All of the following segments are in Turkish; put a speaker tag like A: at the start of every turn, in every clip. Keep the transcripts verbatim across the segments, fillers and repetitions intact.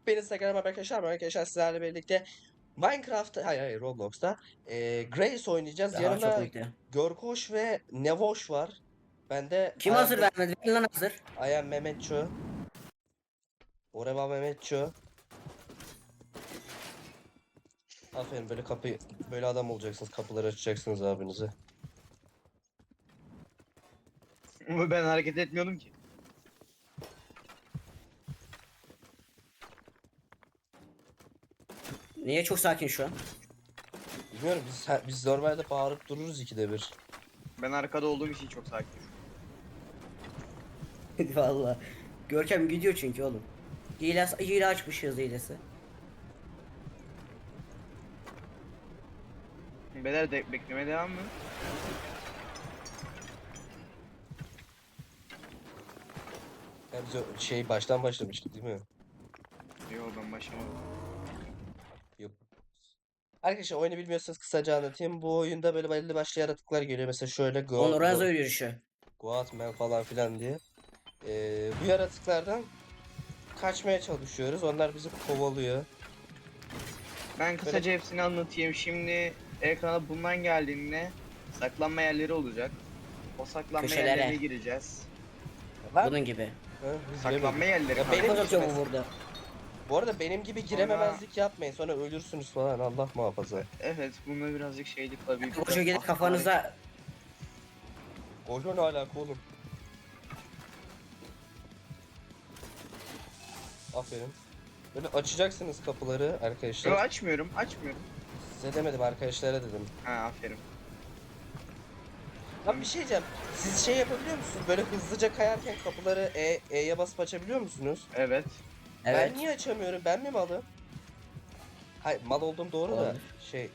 A: Hepinize Instagram arkadaşlar. Arkadaşlar sizlerle birlikte Minecraft, hayır hayır Roblox'ta e, Grace oynayacağız.
B: Daha çok
A: Yanımda
B: bekliyorum.
A: Görkoş ve Nevoş var. Ben de
B: Kim
A: I am,
B: hazır vermedi? Verin lan hazır.
A: I am Mehmetço. Oreva Mehmetço. Aferin, böyle kapı böyle adam olacaksınız. Kapıları açacaksınız abinize.
C: Ama ben hareket etmiyordum ki.
B: Niye çok sakin şu an?
A: Bilmiyorum, biz biz normalde bağırıp dururuz ikide bir.
C: Ben arkada olduğum için çok sakin.
B: Vallahi. Görkem gidiyor çünkü oğlum. Hile, hile açmış hız hilesi.
C: Beyler de beklemeye devam mı?
A: Ya biz o şey baştan başlamıştık değil mi?
C: Yok ben başlamadım.
A: Yok. Arkadaşlar, oyunu bilmiyorsanız kısaca anlatayım. Bu oyunda böyle belli başlı yaratıklar geliyor. Mesela şöyle Go,
B: On Lorenzo
A: Go,
B: yürüyüşü.
A: Goatman falan filan diye. Ee, bu yaratıklardan kaçmaya çalışıyoruz. Onlar bizi kovalıyor.
C: Ben kısaca hepsini anlatayım. Şimdi ekrana bundan geldiğinde saklanma yerleri olacak. O saklanma
B: Köşelere.
C: yerlerine gireceğiz.
A: Lan,
C: Ee,
B: Bunun gibi.
A: ha, biz
C: Saklanma
A: giremedik.
C: yerleri
A: Ya
C: kanka.
A: benim
B: Benim atıyor bu
A: gitmesi-
B: burada.
A: Bu arada benim gibi girememezlik yapmayın. Sonra ölürsünüz falan. Allah muhafaza.
C: Evet, bunda birazcık şeylik var. Bir
B: Koşu gelip kafanıza.
A: Koşu ne alaka oğlum? Aferin. Böyle açacaksınız kapıları arkadaşlar.
C: Yok, açmıyorum, açmıyorum.
A: Size demedim, arkadaşlara dedim.
C: Ha, aferin.
A: Lan bir şey diyeceğim. Siz şey yapabiliyor musunuz? Böyle hızlıca kayarken kapıları E, E'ye basıp açabiliyor musunuz?
C: Evet.
B: Evet.
A: Ben niye açamıyorum? Ben mi malım? Hayır, mal olduğum doğru da
B: Olabilir.
A: şey.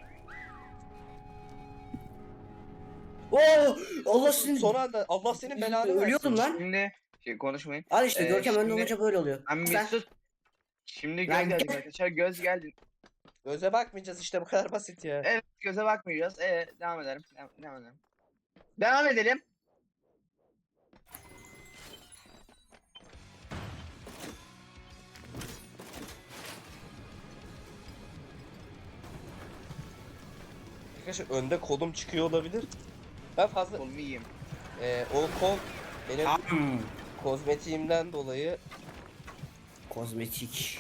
B: Oo! Allah sizin.
A: Son anda Allah senin belanı versin.
B: Ölüyordum lan.
C: Şimdi şey konuşmayın.
B: Al işte
C: Ee,
B: Görkem önde
C: şimdi-
B: olunca böyle oluyor.
C: Ben bir
B: Sen.
C: sus. Şimdi
B: Lan
C: göz geldik
B: gel.
C: arkadaşlar. Göz geldi.
A: Göze bakmayacağız işte, bu kadar basit ya.
C: Evet, göze bakmayacağız. Ee, devam edelim. Devam, devam edelim. Devam edelim.
A: Arkadaşlar, önde kolum çıkıyor olabilir. Ben fazla
C: Kolumu yiyeyim.
A: Ee, o kol benim
B: Hmm.
A: kozmetiğimden dolayı
B: Kozmetik.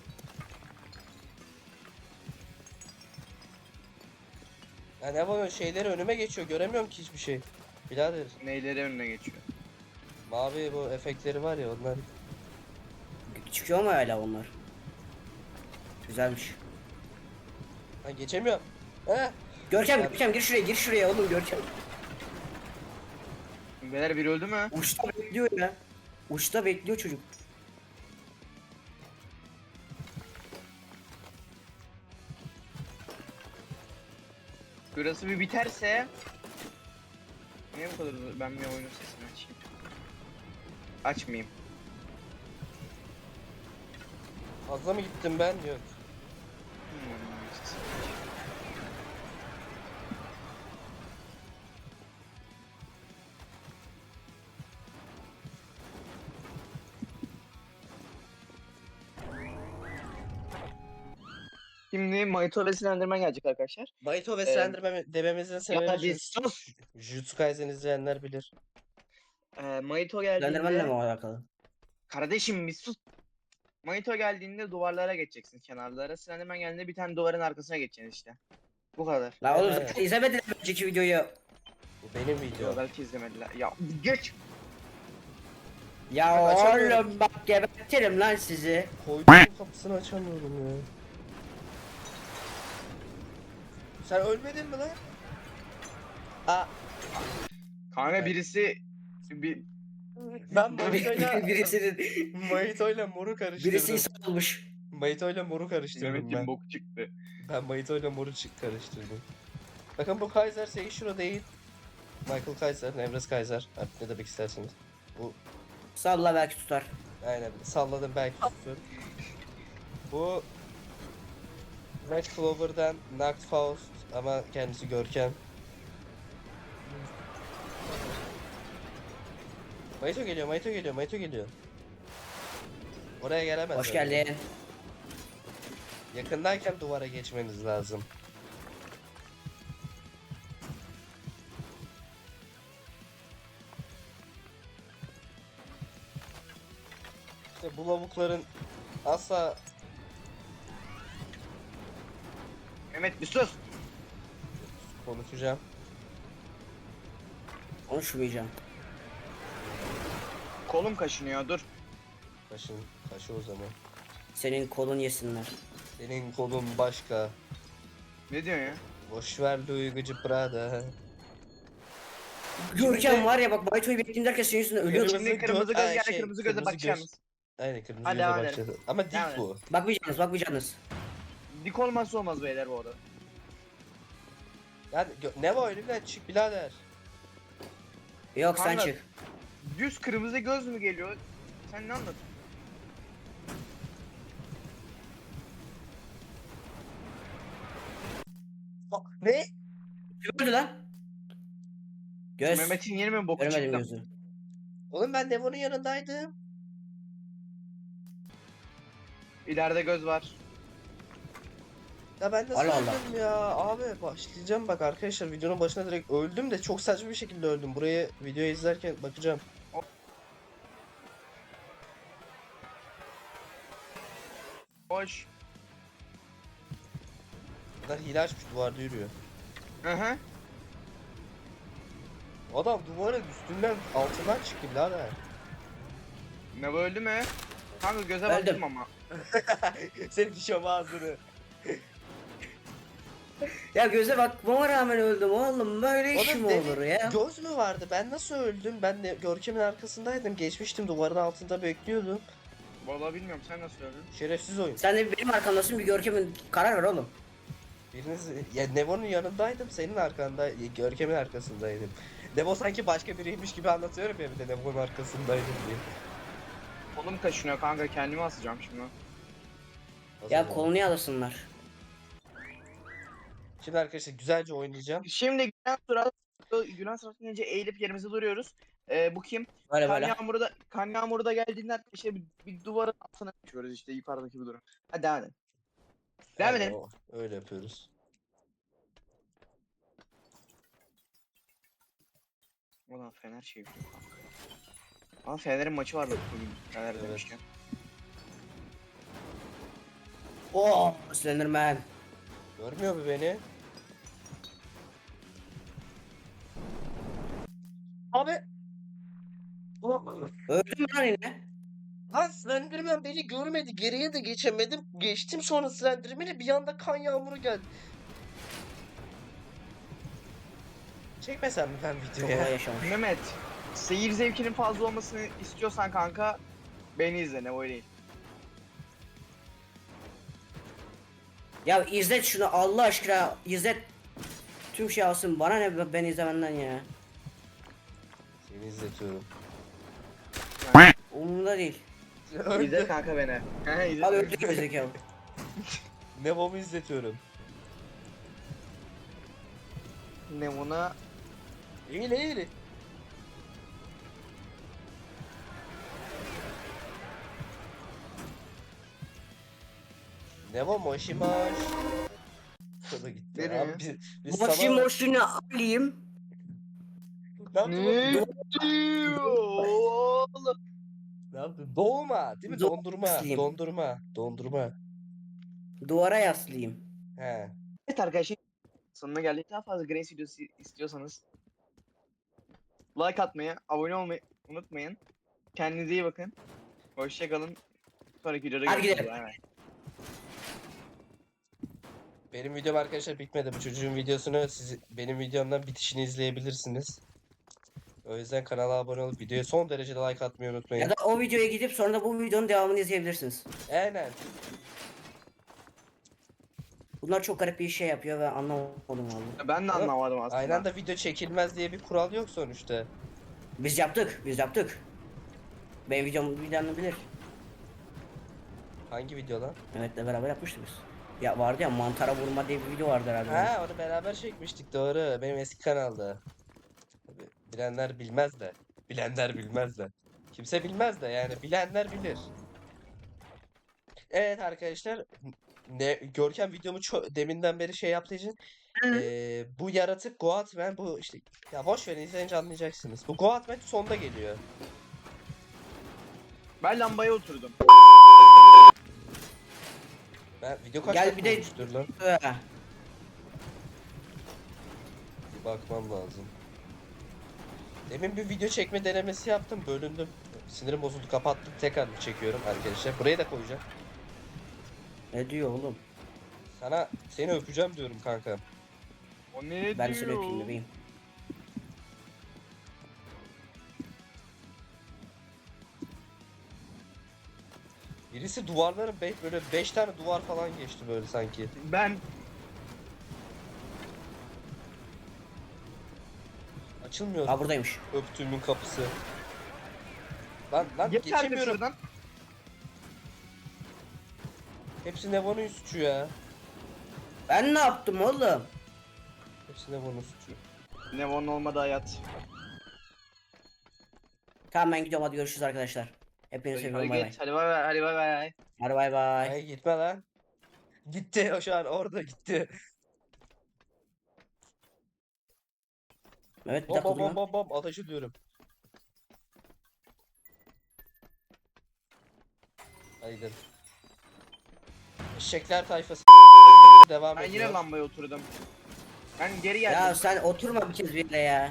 A: yani ne var, şeyleri önüme geçiyor, göremiyorum ki hiçbir şey. Birader,
C: Neyleri önüne geçiyor.
A: mavi bu efektleri var ya, onlar.
B: Çıkıyor mu hala onlar? Güzelmiş.
A: Ha, geçemiyorum. He?
B: Görkem,
A: Abi.
B: Görkem gir şuraya, gir şuraya oğlum Görkem.
C: Beyler biri öldü mü?
B: Uçta bekliyor ya. Uçta bekliyor çocuk.
C: Burası bir biterse... Niye bu kadar uzun? Ben bir oyunun sesini açayım. Açmayayım.
A: Fazla mı gittim ben? Yok.
C: Hmm, sesini açayım. Şimdi Mayto ve Slenderman gelecek arkadaşlar.
A: Bayito ve
C: Ee,
A: Slenderman dememizin
C: Ya
A: sebebi
C: bir
A: Jut-
C: sus.
A: Jujutsu Kaisen izleyenler bilir.
C: Ee, Mayto
B: Slenderman'la
C: geldiğinde...
B: mı alakalı?
C: Kardeşim bir sus. Mayto geldiğinde duvarlara geçeceksin, kenarlara. Slenderman geldiğinde bir tane duvarın arkasına geçeceksin işte. Bu kadar.
B: La oğlum
A: Evet.
B: zaten izlemedin önceki videoyu.
A: Bu benim
C: Yo,
A: videom.
C: belki izlemediler. Ya geç.
B: Ya
A: Açamıyorum.
B: oğlum bak gebertirim lan sizi.
A: Koyduğum kapısını açamıyorum ya. Sen ölmedin mi lan? Aa,
C: Kanka birisi bir
A: ben Mayito'yla
B: Birisinin
A: Mayito'yla moru karıştırdım.
B: birisi insan olmuş.
A: Mayito'yla moru karıştırdım
C: Mehmet'in
A: ben.
C: bok çıktı.
A: Ben Mayito'yla moru çık karıştırdım. Bakın, bu Kaiser Seishiro değil. Michael Kaiser, Nevres Kaiser. Artık ne demek isterseniz. Bu
B: Salla belki tutar.
A: aynen salladım, belki tutuyorum. Bu Red Clover'dan Nacht Faust ama kendisi Görkem. Mayito geliyor, Mayito geliyor, Mayito geliyor. Oraya gelemez.
B: Hoş
A: öyle.
B: geldin.
A: Yakındayken duvara geçmeniz lazım. İşte bu lavukların asla
C: Mehmet bir sus.
A: konuşacağım.
B: Konuşmayacağım.
C: Kolum kaşınıyor dur.
A: Kaşın, kaşı o zaman.
B: Senin kolun yesinler.
A: Senin kolun başka.
C: Ne diyorsun ya?
A: Boşver duygucu Prada.
B: Görkem var ya bak Bayto'yu bekleyeyim derken senin yüzünden ölüyorum.
A: Kırmızı
C: Şimdi kırmızı
A: göz-
C: göz
A: Ay,
C: gel
A: şey,
C: kırmızı göze
A: kırmızı
C: bakacağız.
A: Aynen kırmızı
C: Hadi
A: göze
C: devam
A: bakacağız.
C: edelim.
A: Ama dik
C: Devam
A: bu.
B: Bakmayacaksınız bakmayacaksınız.
C: Dik olmazsa olmaz beyler bu arada.
A: Yani gö- ne var önümden çık birader.
B: Yok sen
C: Kanka.
B: çık.
C: Düz kırmızı göz mü geliyor? Sen ne anlatıyorsun?
A: Bak, ne?
B: Kim öldü lan? Göz.
C: Mehmet'in yeni mi boku
B: Göremedim
C: çıktı?
B: gözü.
A: Oğlum ben Nevo'nun yanındaydım.
C: İleride göz var.
A: Ya ben nasıl
B: Allah Allah.
A: öldüm ya? Abi başlayacağım bak arkadaşlar videonun başına direkt öldüm de çok saçma bir şekilde öldüm. Buraya videoyu izlerken bakacağım.
C: Hoş.
A: Bunlar hile açmış duvarda yürüyor.
C: Hı hı.
A: Adam duvarın üstünden altından çıktı birader.
C: Ne bu öldü mü? Kanka göze
B: Öldüm.
C: baktım ama.
A: Senin dişem ağzını.
B: Ya göze bakmama rağmen öldüm oğlum. Böyle iş
A: Oğlum
B: mi
A: demin
B: olur ya?
A: Göz mü vardı? Ben nasıl öldüm? Ben de Görkem'in arkasındaydım. Geçmiştim duvarın altında bekliyordum.
C: Vallahi bilmiyorum sen nasıl öldün?
A: Şerefsiz oyun.
B: Sen de benim arkamdasın bir Görkem'in karar ver oğlum.
A: Biriniz ya Nevo'nun yanındaydım, senin arkanda, Görkem'in arkasındaydım. Nevo sanki başka biriymiş gibi anlatıyorum ya bir de Nevo'nun arkasındaydım diye.
C: Kolum kaşınıyor kanka kendimi asacağım şimdi.
B: Ya
A: Nasıl
B: kolunu yalasınlar.
A: Şimdi arkadaşlar güzelce oynayacağım.
C: Şimdi Gülen sırası Gülen sırası gelince eğilip yerimize duruyoruz. Ee, bu kim?
B: Böyle
C: Kan
B: böyle.
C: yağmuru da kan yağmuru da geldiğinde işte bir, bir duvarın altına geçiyoruz işte yukarıdaki bir durum. Hadi devam edelim. Devam
A: Yani
C: edelim.
A: o- öyle yapıyoruz.
C: Ulan Fener şey yapıyor kanka. Ama Fener'in maçı var bugün Fener
A: Evet.
C: demişken.
B: Oo, Slenderman.
A: Görmüyor mu beni? Abi.
B: Öldüm lan yine.
A: Lan Slenderman beni görmedi. Geriye de geçemedim. Geçtim sonra Slenderman'e bir anda kan yağmuru geldi. Çekmesem mi ben
B: Çok olay
A: videoya?
B: yaşamış.
C: Mehmet, seyir zevkinin fazla olmasını istiyorsan kanka beni izle ne öyle değil.
B: Ya izlet şunu Allah aşkına izlet. Tüm şey alsın bana ne ben izlemenden ya.
A: Seni izletiyorum.
B: Umurumda değil.
C: İzle
A: Öldü.
C: kanka beni. He izle.
B: Abi öldük gerizekalı.
A: Nevo'mu izletiyorum.
C: Ne buna?
A: İyi ne iyi. Nevo moşi moş. O da gitti.
C: Nereye?
A: Abi biz, biz
B: Moşi
A: sana...
B: moşunu alayım.
A: Ne yaptın?
C: Ne
A: oğlum?
C: diyor oğlum?
A: Ne yaptın? Doğuma değil mi?
B: Doğu
A: Dondurma.
B: aslıyım.
A: Dondurma. Dondurma.
B: Duvara yaslayayım.
A: He.
C: Evet arkadaşlar sonuna geldik. Daha fazla Grace videosu istiyorsanız like atmayı, abone olmayı unutmayın. Kendinize iyi bakın. Hoşçakalın. Sonraki videoda
B: Hadi
C: görüşürüz.
B: gidelim.
C: Bay bay.
A: Benim videom arkadaşlar bitmedi. Bu çocuğun videosunu siz benim videomdan bitişini izleyebilirsiniz. O yüzden kanala abone olup videoya son derece like atmayı unutmayın.
B: Ya da o videoya gidip sonra da bu videonun devamını izleyebilirsiniz.
A: Aynen.
B: Bunlar çok garip bir şey yapıyor ve anlamadım vallahi.
C: Ben de
A: Ama
C: anlamadım aslında.
A: Aynı anda video çekilmez diye bir kural yok sonuçta.
B: Biz yaptık, biz yaptık. Benim videomu bilenler bilir.
A: Hangi video lan?
B: Mehmet'le beraber yapmıştık biz. Ya vardı ya mantara vurma diye bir video vardı herhalde.
A: Ha onu beraber çekmiştik doğru. Benim eski kanalda. Tabii bilenler bilmez de. Bilenler bilmez de. Kimse bilmez de yani bilenler bilir. Evet arkadaşlar, ne Görkem videomu ço- deminden beri şey yaptığı için eee, bu yaratık Goatman, bu işte, ya boş verin, izleyince anlayacaksınız. Bu Goatman sonda geliyor.
C: Ben lambaya oturdum.
A: Ben video kaç
B: Gel
A: dakika
B: bir de
A: olmuştur lan?
B: Ee,
A: Bir bakmam lazım. Demin bir video çekme denemesi yaptım, bölündüm. Sinirim bozuldu, kapattım, tekrar çekiyorum arkadaşlar. Buraya da koyacağım.
B: Ne diyor oğlum?
A: Sana seni öpeceğim diyorum kanka.
C: O ne
B: Ben seni
C: diyor?
B: öpeyim bebeğim.
A: Birisi duvarların be böyle beş tane duvar falan geçti böyle sanki.
C: Ben
A: Açılmıyor
B: Ha buradaymış.
A: öptüğümün kapısı. Lan lan
C: geç artık
A: geçemiyorum.
C: şuradan.
A: Hepsi Nevo'nun suçu ya.
B: Ben ne yaptım oğlum?
A: Hepsi Nevo'nun suçu.
C: Nevon olmadı hayat.
B: Tamam ben gidiyorum, hadi görüşürüz arkadaşlar. Hepinizi
C: Hadi
B: seviyorum, bay bay.
C: geç. Hadi bay bay. Hadi bay bay.
B: Hadi bay bay.
A: Ay gitme lan. Gitti, o şu an orada gitti.
B: Evet bir
A: Bom
B: dakika
A: bom bom
B: duruyor.
A: bom bom ateş ediyorum. Hadi gidelim. Eşekler tayfası devam
C: Ben
A: ediyor.
C: yine lambaya oturdum. Ben geri
B: Ya
C: geldim.
B: sen oturma bir kez bir yere ya.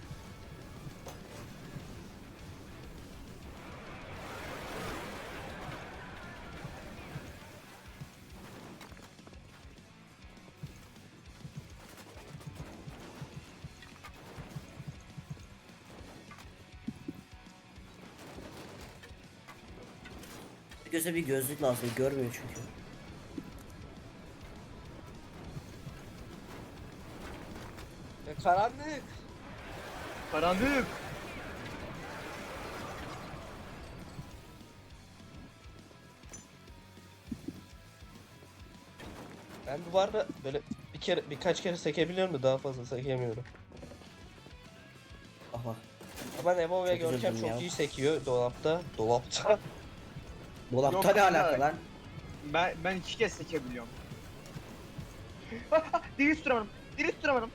B: Göze bir gözlük lazım, görmüyor çünkü.
A: E, karanlık.
C: Karanlık.
A: Ben duvarda böyle bir kere birkaç kere sekebiliyorum da daha fazla sekemiyorum.
B: Bak bak.
A: Ama Nevo ve
B: Çok
A: Görkem
B: üzüldüm
A: çok
B: ya.
A: iyi sekiyor dolapta. Dolapta.
B: Dolapta
C: Yok,
B: ne
C: kanka.
B: alaka lan?
C: Ben ben iki kez sekebiliyorum. Diri tutturamadım. Diri tutturamadım.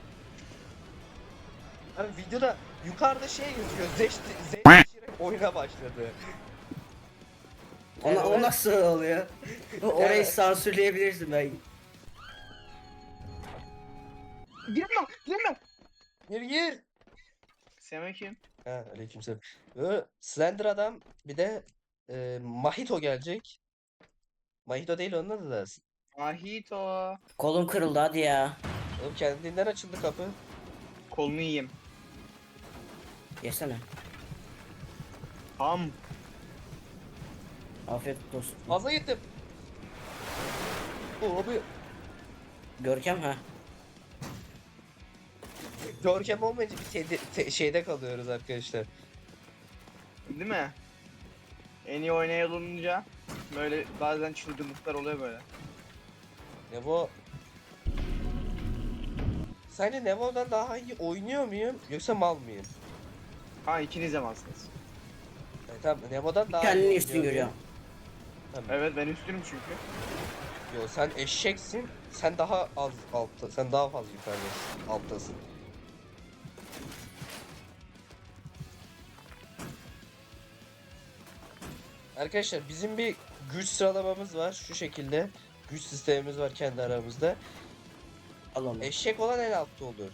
A: Hani videoda yukarıda şey gözüküyor. Zeş, zeş oyuna başladı.
B: Ona, o
A: Evet.
B: nasıl oluyor? Orayı
A: Evet.
B: sansürleyebilirsin ben.
C: Giremem. Giremem.
A: Gir gir.
C: Selamünaleyküm.
A: Ha, aleykümselam. Böyle Slender adam, bir de e, Mahito gelecek. Mahito değil, onun adı da.
C: Mahito.
B: Kolum kırıldı hadi ya.
A: Oğlum kendinden açıldı kapı.
C: Kolunu yiyeyim.
B: Yesene.
C: Ham.
B: Afiyet olsun.
A: Fazla gittim. O abi
B: Görkem ha.
A: Görkem olmayınca bir tedi- te- şeyde kalıyoruz arkadaşlar.
C: Değil mi? En iyi oynayan olunca böyle bazen çılgınlıklar oluyor böyle.
A: Nevo. Sence Nevo'dan daha iyi oynuyor muyum yoksa mal mıyım?
C: Ha ikiniz de malsınız.
A: Yani tamam, Nevo'dan daha iyi
B: Kendini
A: oynuyor
B: üstün
A: muyum?
B: görüyorum.
C: Evet ben üstünüm çünkü.
A: Yo, sen eşeksin. Sen daha az altta, sen daha fazla yukarıdasın, alttasın. Arkadaşlar bizim bir güç sıralamamız var şu şekilde. Güç sistemimiz var kendi aramızda.
B: Al onu.
A: Eşek olan en altta olur.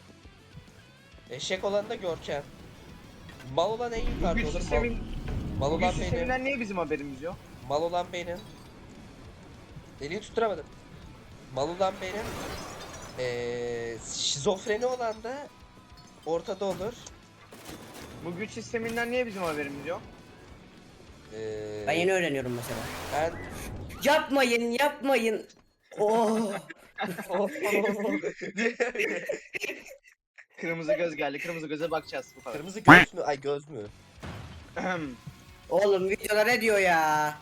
A: Eşek olan da Görkem. Mal olan en
C: Bu
A: yukarıda
C: güç
A: olur. Mal,
C: sistemin,
A: mal
C: bu güç
A: olan benim.
C: sisteminden niye bizim haberimiz yok?
A: Mal olan benim. Deliği tutturamadım. Mal olan benim. Ee, şizofreni olan da ortada olur.
C: Bu güç sisteminden niye bizim haberimiz yok?
A: Ee,
B: Ben yeni öğreniyorum mesela.
A: ben
B: Yapmayın yapmayın. Oh.
C: Kırmızı göz geldi. Kırmızı göze bakacağız bu kadar.
A: Kırmızı göz mü? Ay, göz mü?
C: Ahem.
B: Oğlum videoda ne diyor ya?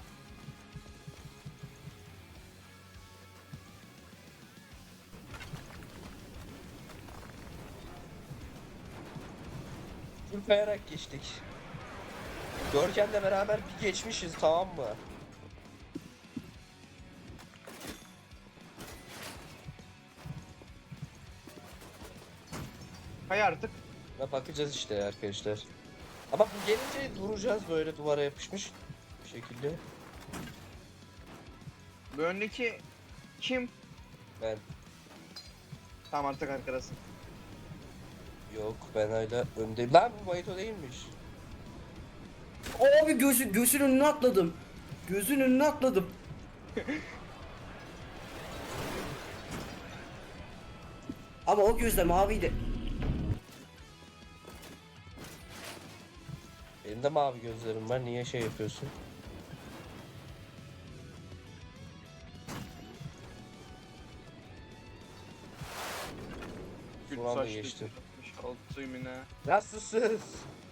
A: Full kayarak geçtik. Görkem'le beraber bir geçmişiz, tamam mı?
C: Hay artık.
A: Ve bakacağız işte arkadaşlar. Ama bu gelince duracağız böyle duvara yapışmış bir şekilde.
C: Bu öndeki kim?
A: Ben
C: Tamam artık arkadasın.
A: yok ben hala öndeyim. Lan bu Bayito değilmiş.
B: Abi gözü, gözün önüne atladım. Gözün önüne atladım. Ama o gözle maviydi.
A: Benim de mavi gözlerim var. Niye şey yapıyorsun?
C: Gül
A: Son anda
C: saçlı,
A: geçtim.
C: altı yine.
A: Nasılsınız?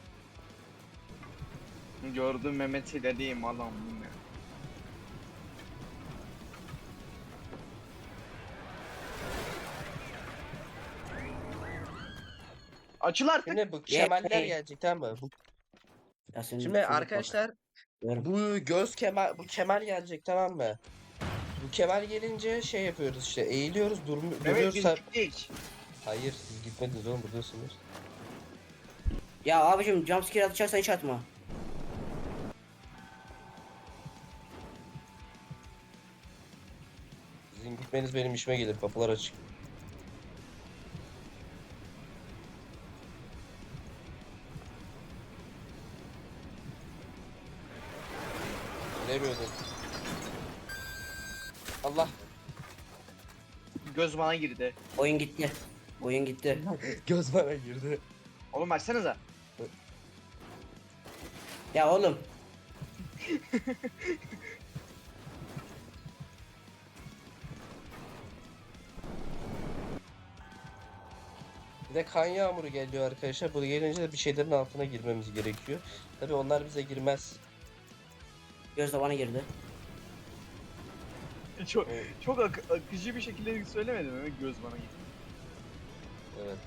C: Gördüm Mehmet'i dediğim adam yine. Açıl artık.
A: Şimdi bu
B: Ye-
A: kemaller
B: ye-
A: gelecek tamam mı? Bu,
B: Ya senin
A: şimdi
B: şuna bak.
A: arkadaşlar
B: Diyorum.
A: bu göz kemer bu kemer gelecek tamam mı? Bu kemer gelince şey yapıyoruz işte eğiliyoruz dur,
C: Mehmet
A: duruyoruz.
C: biz
A: sa-
C: gittik.
A: Hayır siz gitmediniz oğlum buradasınız.
B: Ya abicim jumpscare atacaksan hiç atma.
A: Sizin gitmeniz benim işime gelir kapılar açık. Bilemiyordum. Allah.
C: Göz bana girdi.
B: Oyun gitti. Oyun gitti.
A: Göz bana girdi.
C: Oğlum açsanıza.
B: Ya oğlum.
A: Bir de kan yağmuru geliyor arkadaşlar. Bu gelince de bir şeylerin altına girmemiz gerekiyor. Tabi onlar bize girmez.
B: Göz de bana girdi.
C: Çok
A: Evet.
C: çok ak- akıcı bir şekilde söylemedim mi? Göz bana girdi.
A: Evet.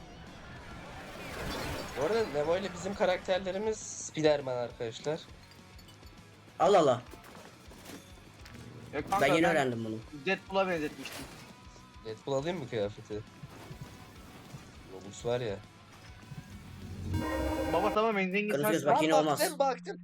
A: Bu arada Nemo ile bizim karakterlerimiz Spiderman arkadaşlar.
B: Allah Allah.
C: Ya kanka,
B: Ben yeni öğrendim bunu.
C: Deadpool'a benzetmiştim.
A: Deadpool alayım mı kıyafeti? Robux var ya.
C: Baba tamam en zengin
B: Kırmızı göz
C: sensin.
B: bak yine olmaz.
A: baktım baktım.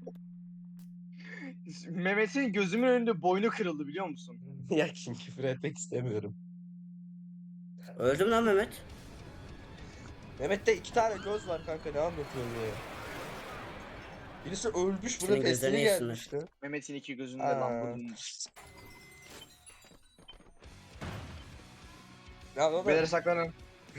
C: Mehmet'in gözümün önünde boynu kırıldı biliyor musun?
A: Ya kim küfür etmek istemiyorum.
B: Öldüm lan Mehmet.
A: Mehmet'te iki tane göz var kanka ne anlatıyorsun ya? Birisi ölmüş bunun
B: Senin gözlerini
A: pesleri
B: yesinler.
A: gelmişti.
C: Mehmet'in iki gözünde
A: Aa.
C: lan bunun.
A: Ya o da
C: Beyler saklanın.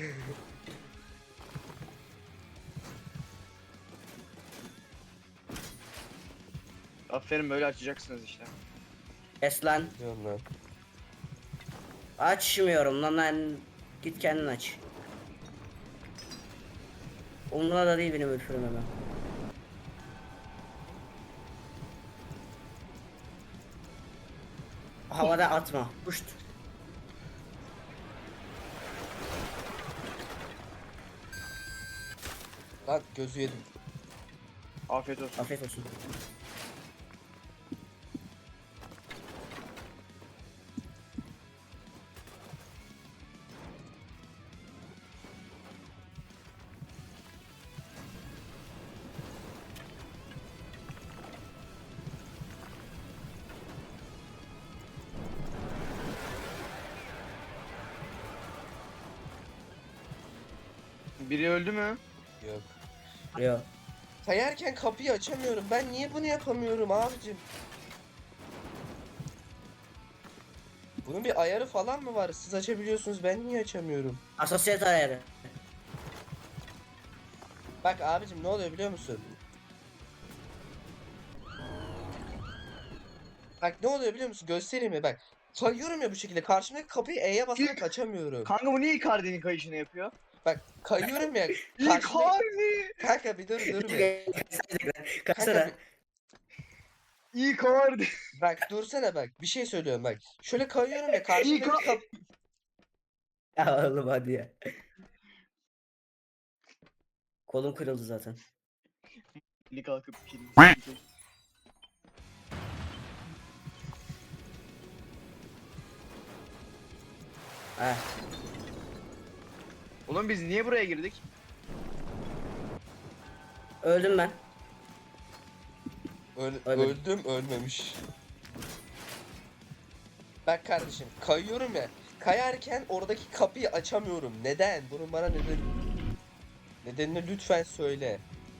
C: Aferin böyle açacaksınız işte.
B: Es lan.
A: diyorum lan.
B: Açmıyorum lan lan. Git kendin aç. Umurumda da değil benim ölfürüm hemen. Havada atma. Puşt.
A: Lan gözü yedim.
C: Afiyet olsun.
B: Afiyet olsun.
C: Biri öldü mü?
A: Yok.
B: Yo.
A: Kayarken kapıyı açamıyorum. Ben niye bunu yapamıyorum abicim? Bunun bir ayarı falan mı var? Siz açabiliyorsunuz ben niye açamıyorum?
B: Asosyet ayarı.
A: Bak abicim ne oluyor biliyor musun? Bak ne oluyor biliyor musun? Göstereyim mi? Bak. Kayıyorum ya bu şekilde. Karşımdaki kapıyı E'ye basarak açamıyorum.
C: Kanka bu niye Icardi'nin kayışını yapıyor?
A: Bak kayıyorum ya. Karşımda...
C: Icardi!
A: Kanka bir dur dur bir.
B: Kaçsana.
C: Icardi!
A: Bak dursana bak. Bir şey söylüyorum bak. Şöyle kayıyorum ya karşımdaki
C: Icardi!
A: kap...
B: Ya oğlum hadi ya. Kolum kırıldı zaten.
C: Eli kalkıp kilidi.
B: Heh.
C: Oğlum biz niye buraya girdik?
B: Öldüm ben.
A: Öl-
B: Ölmedim.
A: öldüm ölmemiş. Bak kardeşim kayıyorum ya. Kayarken oradaki kapıyı açamıyorum. Neden? Bunun bana neden nedenini lütfen söyle.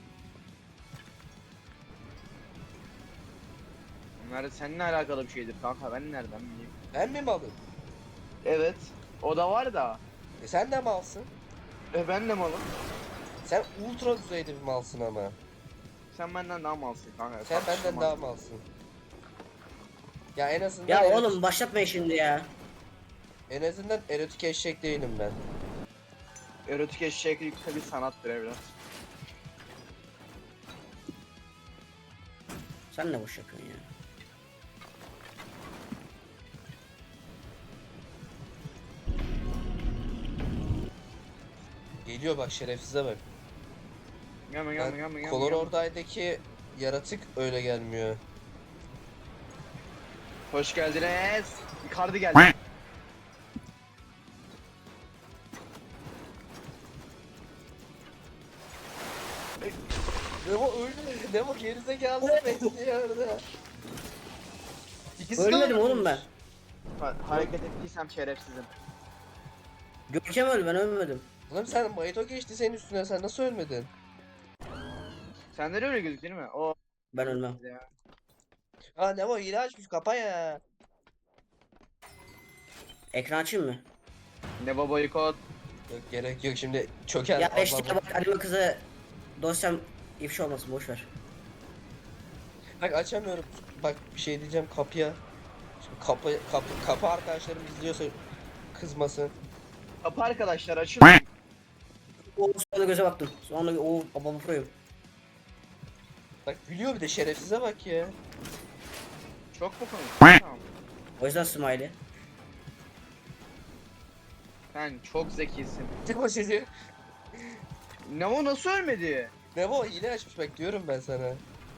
C: Bunlar seninle alakalı bir şeydir kanka, ben nereden bileyim.
A: Ben mi malım?
C: Evet. O da var da.
A: E sen de malsın.
C: E ben de malım.
A: Sen ultra düzeyde bir malsın ama.
C: Sen benden daha malsın kanka.
A: Sen benden
C: tartışılmaz.
A: daha malsın. Ya en azından
B: Ya
A: erot-
B: oğlum başlatmayın şimdi ya.
A: en azından erotik eşek değilim ben.
C: Erotik eşeklik tabi sanattır evlat.
B: Sen ne boş yapıyorsun ya?
A: Geliyor bak şerefsize bak.
C: Gelme gelme gelme gelme.
A: Coloror'daki yaratık öyle gelmiyor.
C: Hoş geldiniz. Icardi geldi.
A: Nemo öldü. Nemo gerizekalı bekliyor orada. İkisi de
B: Ölmedim
A: ölmüş.
B: oğlum ben.
C: Ha- hareket ettiysem şerefsizim.
B: Görkem öldü, ben ölmedim.
A: Oğlum sen Mayto geçti senin üstüne, sen nasıl ölmedin?
C: Sende de öyle gözük değil mi? O
B: Ben ölmem.
C: ya.
A: Aa Nemo hile açmış, kapa ya.
B: Ekran açayım mı?
C: Ne baba kod.
A: Yok gerek yok, şimdi çöker.
B: Ya
A: Allah
B: işte
A: Allah.
B: bak anime kızı dosyam ifşa olmasın, boş ver.
A: Bak açamıyorum. Bak bir şey diyeceğim kapıya. Şimdi kapı kapı kapı arkadaşlarım izliyorsa kızmasın.
C: Kapı arkadaşlar açın.
B: O sonra göze baktım. Sonra o babamı proyum.
A: Bak gülüyor bir de, şerefsize bak ya.
C: Çok mu komik? Tamam.
B: O yüzden smiley.
C: Sen çok zekisin.
A: Nemo çocuğu.
C: Ne o nasıl ölmedi?
A: Nemo hile açmış bak, diyorum ben sana.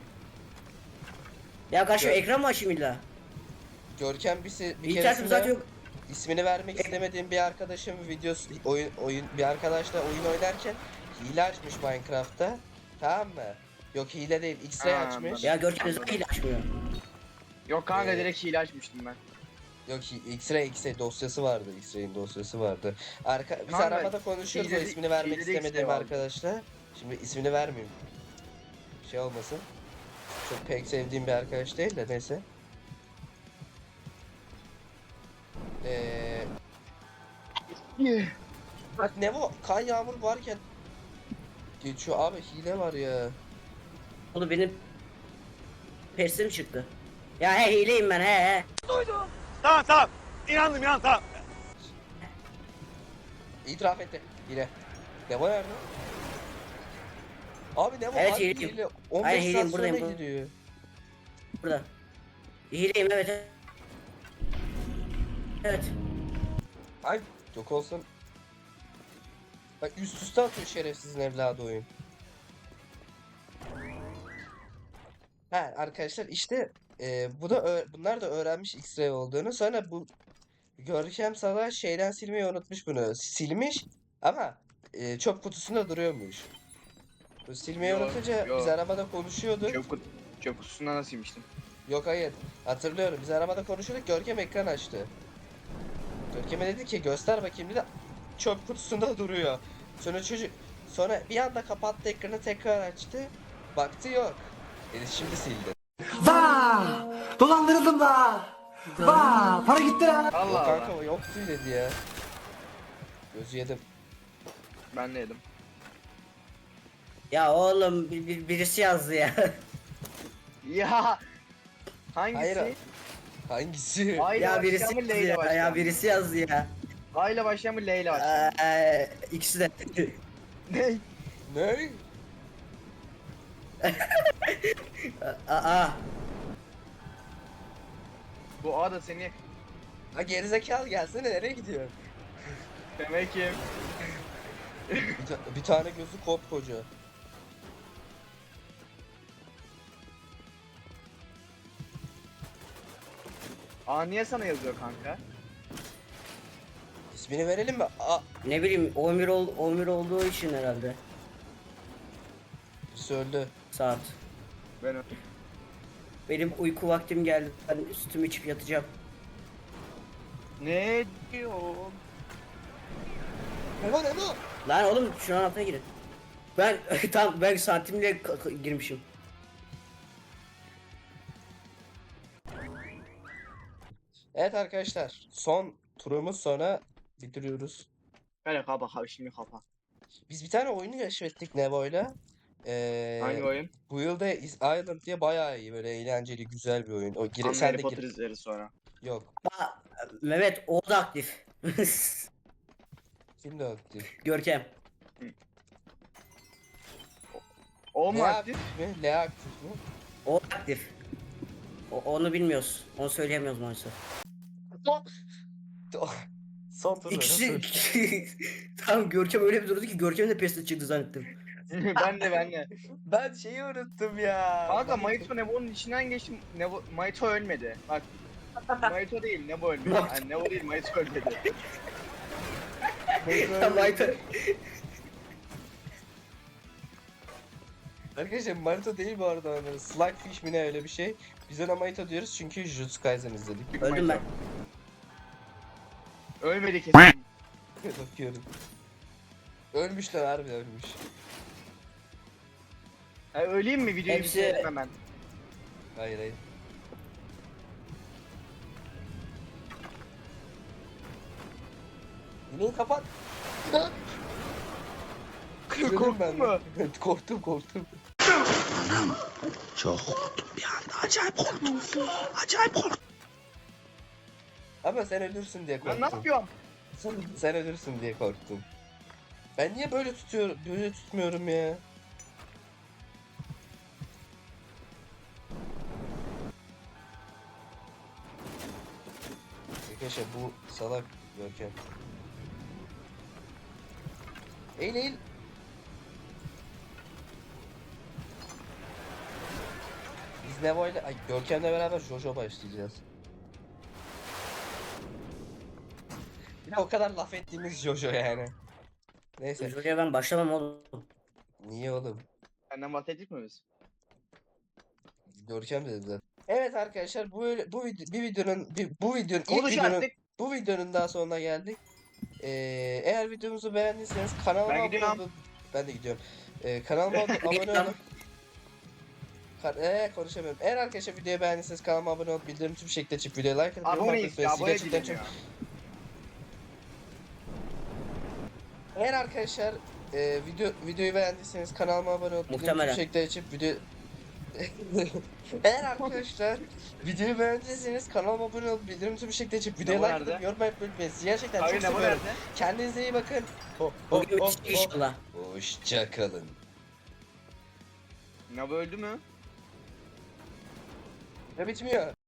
B: Ya karşı
A: Ya-
B: ekran mı açayım illa?
A: Görkem bir, se- bir
B: İnternetim
A: keresinde
B: zaten yok.
A: ismini vermek istemediğim bir arkadaşım videosu oyun oyun bir arkadaşla oyun oynarken hile açmış Minecraft'ta. Tamam mı? Yok hile değil, X-ray
C: Ha,
A: açmış.
B: Ya Görkem zaten hile açmıyor.
C: Yok kanka
A: Ee,
C: direkt hile açmıştım ben.
A: Yok hi- X-ray X-ray dosyası vardı. X-ray'in dosyası vardı. Arka biz
C: Kanka,
A: arabada konuşuyoruz o
C: hileli-
A: ismini vermek
C: hileli
A: istemediğim
C: X-ray vardı.
A: arkadaşla. Şimdi ismini vermeyeyim. Şey olmasın. Çok pek sevdiğim bir arkadaş değil de neyse. Eee Bak Nevo kan yağmur varken geçiyor abi, hile var ya.
B: Oğlum benim persim çıktı. Ya he hileyim ben, he he.
D: Tamam tamam. İnandım inandım tamam.
A: İtiraf etti hile. Nevo nerede? Abi Nevo
B: Evet,
A: harbi
B: hileyim.
A: hile. on beş
B: Hayır,
A: saat
B: hileyim,
A: sonra
B: buradayım, buradayım.
A: gidiyor.
B: Burada. Hileyim, evet. Evet.
A: Ay yok olsun. Bak üst üste atıyor şerefsizin evladı oyun. Ha arkadaşlar işte e, bu da ö- bunlar da öğrenmiş X-ray olduğunu. Sonra bu Görkem Savaş şeyden silmeyi unutmuş bunu. Silmiş ama e, çöp kutusunda duruyormuş. Bu silmeyi
C: Yo,
A: unutunca
C: yo.
A: biz arabada konuşuyorduk.
C: Çöp, kut çöp kutusundan nasıl yemiştim?
A: Yok hayır, hatırlıyorum, biz arabada konuşuyorduk, Görkem ekran açtı. Görkem'e dedi ki göster bakayım dedi, çöp kutusunda duruyor. Sonra çocuk sonra bir anda kapattı ekranı, tekrar açtı, baktı yok. Dedi şimdi sildi.
E: Vaa! Dolandırıldım da. Vaa! Para gitti lan.
A: Yok
C: Allah
A: kanka
C: Allah.
A: o yoktu dedi ya. Gözü yedim.
C: Ben de yedim.
B: Ya oğlum bir, bir- birisi yazdı ya.
C: Ya hangisi?
A: Hayır. Hangisi?
C: A ile
B: ya birisi
C: başlayan mı
B: yazdı
C: L ile
B: ya,
C: başlayan
B: ya
C: mı?
B: birisi yazdı ya.
C: A ile başlayan mı L ile başlayan mı?
B: Eee ikisi de.
C: Ne?
A: Ne?
B: Aa.
C: Bu A da seni
A: Ha gerizekalı gelsene, nereye gidiyorsun?
C: demek ki
A: Bir, ta- bir tane gözü kopkoca.
C: A niye sana yazıyor kanka?
A: İsmini verelim mi? A
B: Ne bileyim on bir, ol, on bir olduğu için herhalde.
A: Birisi öldü.
B: Saat.
C: Ben ö-
B: Benim uyku vaktim geldi. Ben üstümü içip yatacağım.
C: Ne diyor?
A: Emo Emo.
B: Lan oğlum şu an altına girin. Ben tam ben santimle k- k- girmişim.
A: Evet arkadaşlar, son turumuz sonra bitiriyoruz.
C: Böyle kapa kapa şimdi kapa.
A: Biz bir tane oyunu keşfettik Nevo'yla. Ee,
C: Hangi oyun?
A: Bu yılda Is Island diye bayağı iyi, böyle eğlenceli, güzel bir oyun. O gire,
C: Ama
A: sen
C: Harry
A: de
C: Potter
A: gir.
C: izleriz sonra.
A: Yok.
B: Aa, Mehmet o da aktif.
A: Kim de aktif?
B: Görkem.
C: O mu
A: Lea
C: aktif?
A: aktif mi? Lea aktif mi?
B: O aktif. O, onu bilmiyoruz. Onu söyleyemiyoruz maalesef.
A: Son tur.
B: İkisi tam Görkem öyle bir durdu ki Görkem de pestle çıktı zannettim.
C: ben de ben de.
A: Ben şeyi unuttum ya.
C: Kanka Maito Nevo'nun içinden geçtim. Nevo, Maito ölmedi. Bak. Maito değil Nevo ölmedi. Yani Nevo değil Maito ölmedi.
B: Tam Mayta.
A: Arkadaşlar Marito değil bu arada onları. Slugfish mi ne, öyle bir şey. Biz ona Marito diyoruz çünkü Jujutsu Kaisen izledik.
B: Öldüm ben.
C: Ölmedi kesin.
A: Bakıyorum. Ölmüşler, harbi ölmüş.
C: Ya öleyim mi videoyu
B: Hepsi-
C: bitirelim hemen.
A: Hayır hayır. Yine kapat. Dedim
C: Korktun
A: ben.
C: mu?
A: korktum korktum.
E: Çok korktum bir anda. Acayip korktum. Acayip korktum.
A: Ama sen ölürsün diye
C: Ben
A: korktum.
C: ne yapıyorum?
A: Sen, sen ölürsün diye korktum. Ben niye böyle tutuyorum, böyle tutmuyorum ya? Arkadaşlar bu salak Görkem. Eğil eğil. Biz Nevo ile, ay Görkem'le beraber Jojo başlayacağız. Bir de o kadar laf ettiğimiz Jojo yani. Neyse.
B: Şuraya ben başlamam oğlum.
A: Niye oğlum?
C: Senden bahsettik mi biz?
A: Görkem dedi zaten. Evet arkadaşlar, bu bu vid- bir videonun bir, bu videonun ilk
C: Konuş
A: videonun
C: artık.
A: bu videonun daha sonuna geldik. Ee, eğer videomuzu beğendiyseniz kanalıma
C: Ben
A: abone
C: gidiyorum.
A: olup ben de gidiyorum. Ee, kanalıma ab- abone
B: Gidiyorum.
A: olup Ka ee, konuşamıyorum. Eğer arkadaşlar videoyu beğendiyseniz kanalıma abone olup bildirim tüm şekilde açıp videoya like atıp yorum
C: Aboneyiz
A: atmayı
C: ya,
A: unutmayın.
C: abone
A: Gerçekten
C: değilim
A: çok.
C: ya.
A: Eğer arkadaşlar e, video videoyu beğendiyseniz kanalıma abone olup bildirim tüm
B: Muhtemelen.
A: şekilde açıp video Eğer arkadaşlar videoyu beğendiyseniz kanalıma abone olup bildirim tüm şekilde açıp videoya
C: Nevo
A: like atıp
C: nerede?
A: yorum yapmayı unutmayın. Sizi gerçekten
C: Abi
A: çok
C: Nevo
A: seviyorum.
C: nerede?
A: Kendinize iyi bakın. Oh,
B: O
A: oh,
B: gün
A: oh,
B: bitecek inşallah.
A: oh. Hoşça kalın.
C: Nevo öldü mü?
A: Ne bitmiyor?